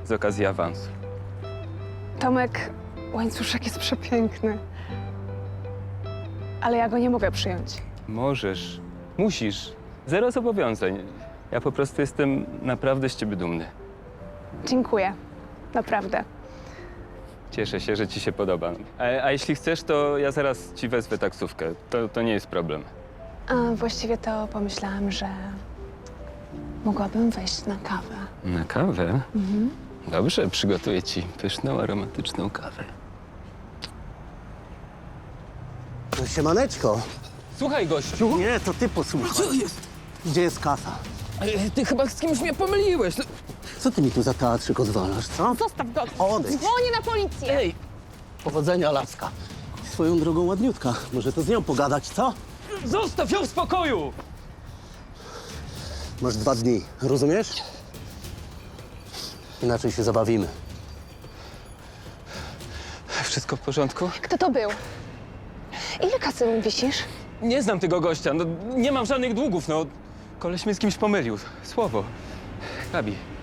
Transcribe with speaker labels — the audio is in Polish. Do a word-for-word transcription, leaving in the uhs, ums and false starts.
Speaker 1: z okazji awansu.
Speaker 2: Tomek, łańcuszek jest przepiękny. Ale ja go nie mogę przyjąć.
Speaker 1: Możesz, musisz. Zero zobowiązań. Ja po prostu jestem naprawdę z ciebie dumny.
Speaker 2: Dziękuję. Naprawdę.
Speaker 1: Cieszę się, że ci się podoba. A, a jeśli chcesz, to ja zaraz ci wezwę taksówkę. To, to nie jest problem.
Speaker 2: A właściwie to pomyślałam, że mogłabym wejść na kawę.
Speaker 1: Na kawę? Mhm. Dobrze, przygotuję ci pyszną, aromatyczną kawę.
Speaker 3: No, siemaneczko.
Speaker 1: Słuchaj, gościu.
Speaker 3: Nie, to ty posłuchaj.
Speaker 1: Co jest?
Speaker 3: Gdzie jest kasa?
Speaker 1: Ty chyba z kimś mnie pomyliłeś. No.
Speaker 3: Co ty mi tu za teatrzyk odwalasz, co?
Speaker 2: Zostaw go!
Speaker 3: Odejdź.
Speaker 2: Dzwonię na policję!
Speaker 1: Ej,
Speaker 3: Powodzenia, laska. Swoją drogą ładniutka. Może to z nią pogadać, co?
Speaker 1: zostaw ją w spokoju!
Speaker 3: Masz dwa dni, rozumiesz? Inaczej się zabawimy.
Speaker 1: Wszystko w porządku?
Speaker 2: Kto to był? Ile kasy mu wisisz?
Speaker 1: Nie znam tego gościa. No, nie mam żadnych długów, no. Koleś mnie z kimś pomylił. Słowo. Gabi,